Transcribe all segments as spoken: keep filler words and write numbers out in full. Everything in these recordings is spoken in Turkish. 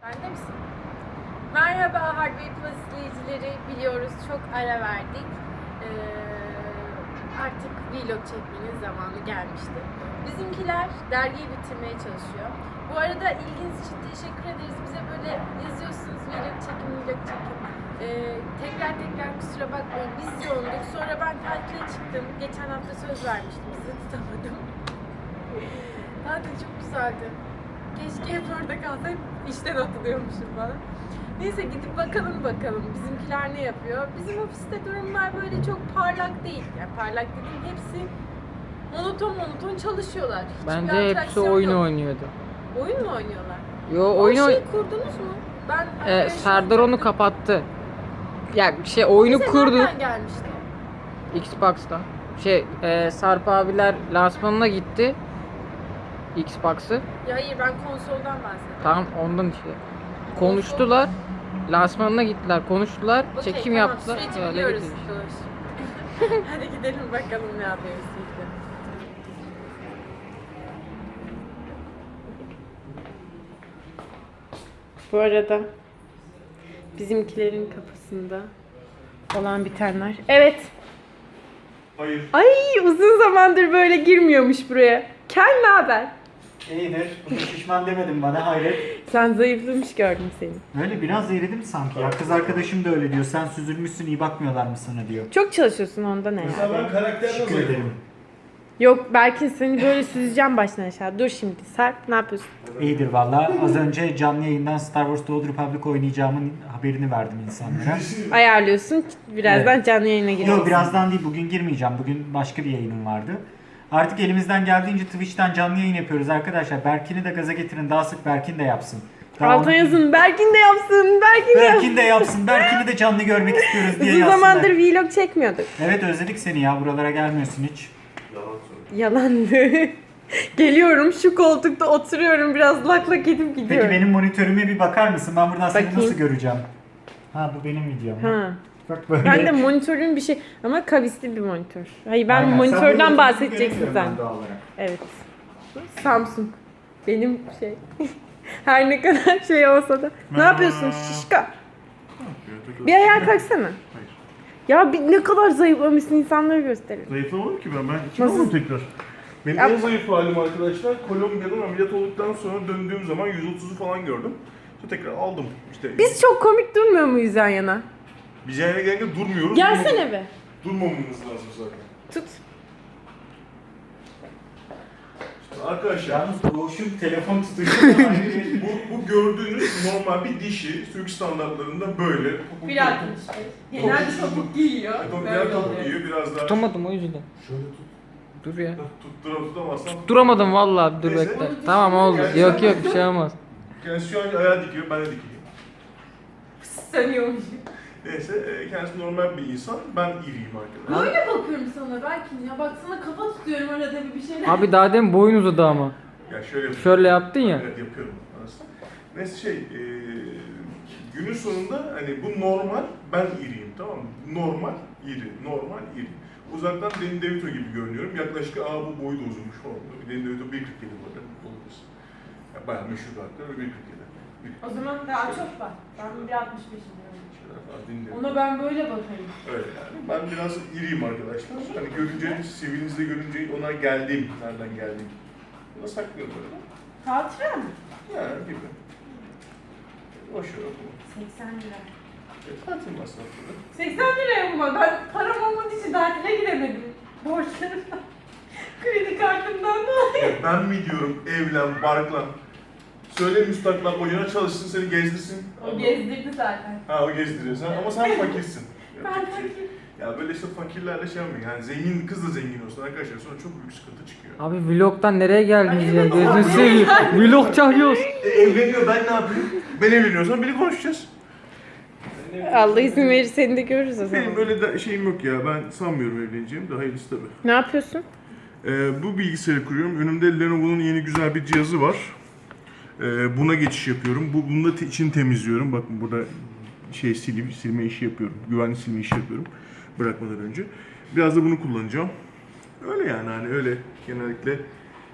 Bende misin? Merhaba Hardware Plus izleyicileri. Biliyoruz çok ara verdik. Ee, artık vlog çekmenin zamanı gelmişti. Bizimkiler dergiyi bitirmeye çalışıyor. Bu arada ilginiz için teşekkür ederiz. Bize böyle yazıyorsunuz vlog çekin, vlog çekin. Ee, tekrar tekrar kusura bakmayın. Biz yoğunduk. Sonra ben tatile çıktım. Geçen hafta söz vermiştim. Size tutamadım. Tatil çok güzeldi. Keşke hep orada kalsam, işten atılıyormuşum falan. Neyse gidip bakalım bakalım bizimkiler ne yapıyor. Bizim ofiste durumlar böyle çok parlak değil. Yani parlak dediğim hepsi monoton monoton çalışıyorlar. Hiçbir Bence hepsi atraksiyon oyun yok. oynuyordu. Oyun mu oynuyorlar? Yo O oyun oy- şeyi kurdunuz mu? Ben Ee, Serdar onu kapattı. Ya şey oyunu Bize kurdu nereden gelmişti? Xbox'ta. Şey e, Sarp abiler lansmanına gitti. Xbox'ı. Ya hayır ben konsoldan bahsediyorum. Tamam ondan işte. Konuştular. Lansmanına gittiler, konuştular, Okey, çekim tamam, yaptılar. süreci Öyle biliyoruz. gitti işte. Doğru. Hadi gidelim bakalım ne yapıyoruz birlikte. Bu arada bizimkilerin kapısında olan bitenler. Evet. Hayır. Ay uzun zamandır böyle girmiyormuş buraya. Kel ne haber? İyidir. Bu şişman demedin bana, hayret. Sen zayıflamış gördüm seni. Öyle biraz eğridim sanki ya. Kız arkadaşım da öyle diyor. Sen süzülmüşsün, iyi bakmıyorlar mı sana diyor. Çok çalışıyorsun ondan Mesela herhalde. ben karakterle Teşekkür zayıfım. ederim. Yok belki seni böyle süzeceğim baştan aşağı. Dur şimdi Sarp ne yapıyorsun? İyidir valla. Az önce canlı yayından Star Wars The Old Republic oynayacağımın haberini verdim insanlara. Ayarlıyorsun. Birazdan Evet. canlı yayına gireceğiz. Yok birazdan değil, bugün girmeyeceğim. Bugün başka bir yayınım vardı. Artık elimizden geldiğince Twitch'ten canlı yayın yapıyoruz arkadaşlar. Berkin'i de gaza getirin. Daha sık Berkin de yapsın. Daha Altına onu- yazın. Berkin de yapsın. Berkin de yapsın. Berkin de yapsın. Berkin'i de canlı görmek istiyoruz diye Uzun yazsınlar. zamandır vlog çekmiyorduk. Evet özledik seni ya. Buralara gelmiyorsun hiç. Yalandı. Geliyorum şu koltukta oturuyorum biraz lak lak edip gidiyorum. Peki benim monitörüme bir bakar mısın? Ben buradan seni Bakayım. nasıl göreceğim? Ha bu benim videom. Ha. Bak böyle. Ben de monitörün bir şey ama kavisli bir monitör. Hayır ben Aynen, sen bu monitörden monitörü bahsedeceksin göremiyorum sen. ben doğal olarak. Evet. Samsung. Benim şey. Her ne kadar şey olsa da. Ne yapıyorsun şişka? Bir ayağa kalksana. Hayır. Ya bir, ne kadar zayıflamışsın insanlara gösterin. Zayıflamadım ki ben. Ben kim Nasıl? oldum tekrar? Benim Ya- en zayıf halim arkadaşlar Kolombiya'dan ameliyat olduktan sonra döndüğüm zaman yüz otuzu falan gördüm. İşte tekrar aldım. İşte Biz çok komik durmuyor muyuz yan yana? biz yani gelince durmuyoruz. Gelsene Durmam- be. Durmamamız lazım zaten. Tut. İşte arkadaşlar Yalnız Doğuş'un telefon tutuşu bu, bu gördüğünüz normal bir dişi Türk standartlarında böyle. Genelde topuk giyiyor. Biraz topuk giyiyor, biraz daha Tutamadım o yüzden. şöyle tut. Dur ya. Tuttura tutamazsan Duramadım vallahi, dur Neyse. bekle. Tamam oldu. Yok yok bir şey olmaz. kendisi şu an ayağı dikiyor, ben de dikeyim. Sanıyormuş. Neyse, e, kendisi normal bir insan, ben iriyim arkadaşlar. Böyle bakıyorum sana Berkin ya. Bak sana kafa tutuyorum arada bir bir şeyler. Abi daha demin boyun uzadı ama. Ya şöyle yapıyorum. Şöyle yaptın ya. Evet yapıyorum aslında. Neyse şey, e, günün sonunda hani bu normal, ben iriyim tamam mı? Normal, iri, normal, iri. Uzaktan Danny DeVito gibi görünüyorum. Yaklaşık aa bu boyu da uzunmuş falan. Danny DeVito bir kırk yedi bu arada. Olabilir. Ya bayağı meşhur bir aktör ve bir kırk yedi. O zaman daha çok var. Ben bir altmış beşim diyorum. Şöyle falan Danny DeVito. Ona ben böyle bakarım. Öyle yani. Ben biraz iriyim arkadaşlar. Hani görünce, sivinizde görünce ona geldim. Nereden geldim? Bunu saklıyorum böyle. Hatıra mı? Ya gibi. Boş ver okuma. seksen lira. E, tatil masrafları. seksen liraya mı? Ben param olmadığı için tatile gidemedim. Borçlarımdan. Kredi kartımdan dolayı. Ya ben mi diyorum evlen, barklan. Söyle müstakbel kocana çalışsın, seni gezdirsin. O gezdirdi zaten. Ha o gezdiriyor sen ama sen fakirsin. Ben Yapacak bir şey yok. fakir. Ya böyle işte fakirlerle şey yapmayın. Yani zengin kız da zengin olsun arkadaşlar sonra çok büyük sıkıntı çıkıyor. Abi vlogtan nereye geldiniz Ay, ya? evet, Gözünü abi. seveyim. Vlog çağırıyoruz. E, evleniyor ben ne yapayım? Ben evleniyorsam biri konuşacağız. Allah izin verir seni de görürüz o Benim zaman. böyle de şeyim yok ya ben sanmıyorum evleneceğim de hayırlısı tabii. Ne yapıyorsun? Ee, bu bilgisayarı kuruyorum. Önümde Lenovo'nun yeni güzel bir cihazı var. Ee, buna geçiş yapıyorum. Bu bunun da te- içini temizliyorum. Bakın burada şey silip silme işi yapıyorum. Güvenli silme işi yapıyorum. Bırakmadan önce. Biraz da bunu kullanacağım. Öyle yani hani öyle genellikle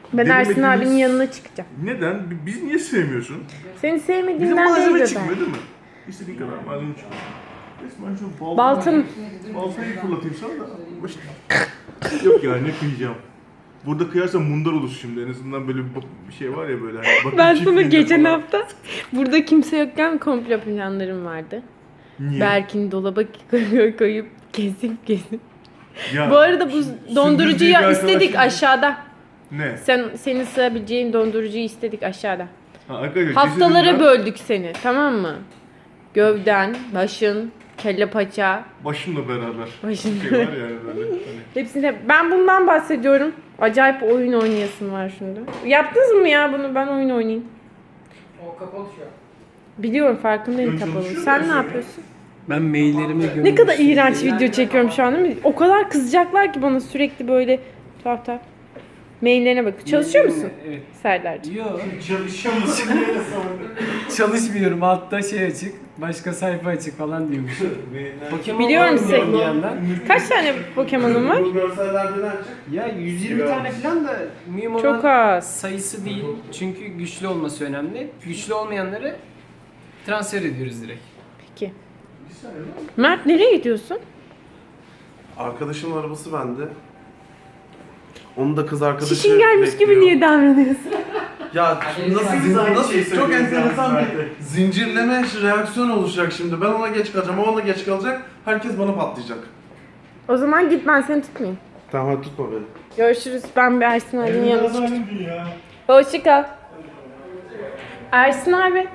Ben Ersin denemediğimiz- abinin yanına çıkacağım. Neden? Biz niye sevmiyorsun? Seni Bizim sevmediğimden değil malzeme de çıkmıyor ben. değil mi? İstediğin kadar malzeme çıkmıyor. Resmen şu baltayı, Baltın. baltayı fırlatayım sana da. Baş- Yok ya ne kıyacağım. Burada kıyarsam mundar olur şimdi. En azından böyle bir bir şey var ya böyle. Hani bakım Ben sana çiftliğinde geçen falan. hafta burada kimse yokken komplo planlarım vardı. Niye? Berk'in dolaba koyup koyup kesip kesip. Ya, Bu arada bu sündüz diye bir dondurucuyu arkadaş istedik şimdi- aşağıda. Ne? Sen senin sığabileceğin dondurucuyu istedik aşağıda. Ha, arkadaşlar, Haftalara cesedinden böldük seni, tamam mı? Gövden, başın, kelle paça, Başımla beraber. Başın- Şey var yani böyle. Hani. hepsinde. Ben bundan bahsediyorum. Acayip oyun oynayasın var şimdi. Yaptınız mı ya bunu? Ben oyun oynayayım. O kapalı şu an. Biliyorum, farkındayım Ön kapalı. çalışıyor Sen mu ne sen? yapıyorsun? Ben maillerimi gömdüm. Ne kadar iğrenç video çekiyorum şu an değil mi? O kadar kızacaklar ki bana sürekli böyle tuhaf tuhaf. Maillerine bak. Çalışıyor musun Evet. Serdar'cığım? Yok. Çalışıyor musun diye sordum. Çalışmıyorum. Altta şey açık. Başka sayfa açık falan diyormuş. Pokemon Biliyorum oynuyorum seni. bir yandan. Kaç tane Pokemon'un var? Bu görsellerde ne açık? Ya yüz yirmi tane falan da mühim olan Çok az. sayısı değil. Çünkü güçlü olması önemli. Güçlü olmayanları transfer ediyoruz direkt. Peki. Mert nereye gidiyorsun? Arkadaşımın arabası bende. Onun da kız arkadaşı Çişin gelmiş gibi bekliyor. niye davranıyorsun? Ya nasıl, Biz aynı nasıl şeyi çok söylüyoruz enteresan zaten. bir zincirleme reaksiyon oluşacak şimdi. Ben ona geç kalacağım, o ona geç kalacak. Herkes bana patlayacak. O zaman git, ben seni tutmayayım. Tamam hadi tutma beni. Görüşürüz. Ben bir Ersin abinin yanına çıkacağım. Yazarım ya. Hoşça kal. Ersin abi.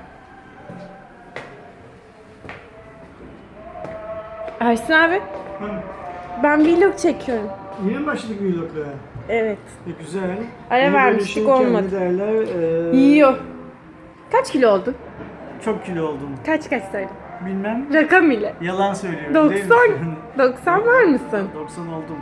Ersin abi. Ben vlog çekiyorum. Yeni mi başladık vloglara? Evet. E, güzel. Ara Yeni böyle vermiştik, şeyken olmadı. ne derler? E, Yiyor. Kaç kilo oldun? Çok kilo oldum. Kaç kaç söyle. Bilmem. Rakam ile. Yalan söylüyorum. değil mi? doksan. doksan var mısın? doksan oldum.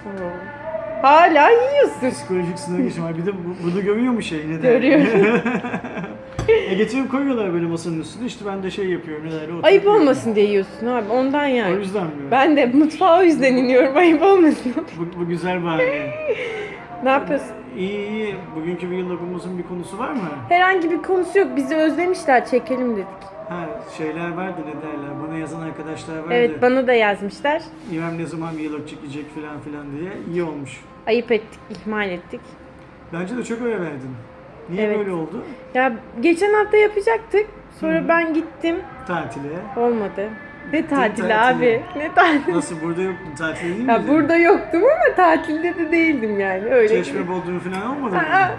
Hala yiyorsun. Psikolojik sınav geçim var. Bir de bu, bunu görüyor mu şey? Ne derler? Görüyorum. e getirip koyuyorlar böyle masanın üstüne. İşte ben de şey yapıyorum. Ne derler? Ayıp oturuyorum. olmasın diye yiyorsun abi, ondan O yani. yüzden mi? Ben de mutfağa o yüzden iniyorum, ayıp olmasın. Bu, bu güzel bahane. Ne yapıyorsun? İyi iyi. Bugünkü vlogumuzun bir konusu var mı? Herhangi bir konusu yok, bizi özlemişler, çekelim dedik. Ha şeyler vardı ne derler. Bana yazan arkadaşlar vardı. Evet, bana da yazmışlar. İrem ne zaman vlog çekecek falan filan diye. İyi olmuş. Ayıp ettik, ihmal ettik. Bence de çok öyle verdin. Niye Evet. böyle oldu? Ya geçen hafta yapacaktık. Sonra ben gittim. Tatile. Olmadı. Ne tatili tatile. abi? Ne tatili? Nasıl burada yoktun? Tatilde değil Ya miydin? burada yoktum ama tatilde de değildim yani. Öyle. Çeşme Bodrum falan olmadı mı? Aa,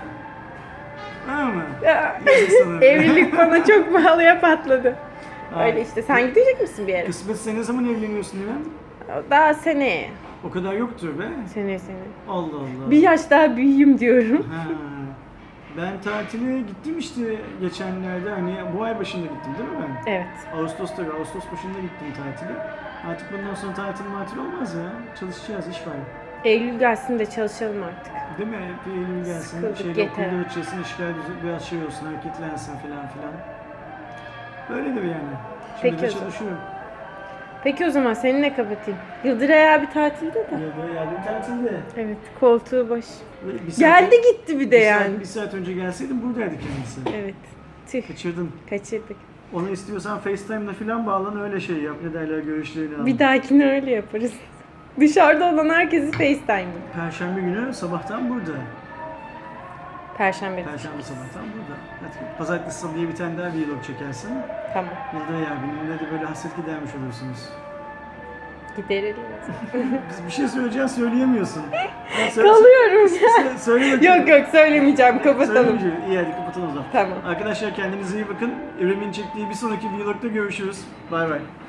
Ha mı? ya. Yazık sana. Evlilik bana çok pahalıya patladı. Aa, Öyle işte. Sen gidecek misin bir yere? Kısmet sen ne zaman evleniyorsun İrem? Daha seneye. O kadar yoktur be. Seneye seneye. Allah Allah. Bir yaş daha büyüyeyim diyorum. Ha. Ben tatile gittim işte geçenlerde hani bu ay başında gittim değil mi ben? Evet. Ağustos'ta Ağustos başında gittim tatile. Artık bundan sonra tatil matil olmaz ya. Çalışacağız iş var. Eylül gelsin de çalışalım artık. Değil mi? Bir Eylül gelsin, Sıkıldık, şeyde yeter. okulda açılsın, işler düzgün biraz şey olsun, hareketlensin filan filan. Böyledir yani. Şimdi Peki de o zaman. çalışıyorum. Peki o zaman seninle kapatayım. Yıldıray abi tatilde de. Ya da yardım tatilde. Evet, koltuğu boş. Bir saat- Geldi gitti bir de bir yani. Saat, bir saat önce gelseydim buradaydı kendisi. Evet. Tüh, Kaçırdın. kaçırdık. Onu istiyorsan FaceTime'la filan bağlan öyle şey yap. Ne derler görüşlerini al. Bir dahakine öyle yaparız. Dışarıda olan herkesi FaceTime. Perşembe günü sabahtan burada. Perşembe. Perşembe sabahtan burada. Hadi pazartesi salıya bir tane daha vlog çekersin. Tamam. Yıldıray abinin de böyle hasret gidermiş olursunuz. Giderelim. Biz bir şey söyleyeceğim söyleyemiyorsun. Ya söyle- Kalıyorum. Söyle, söyle bakayım. Yok yok söylemeyeceğim. Kapatalım. Söylemeyeceğim. İyi hadi kapatalım o zaman. Tamam. Arkadaşlar kendinize iyi bakın. İrem'in çektiği bir sonraki vlogda görüşürüz. Bay bay.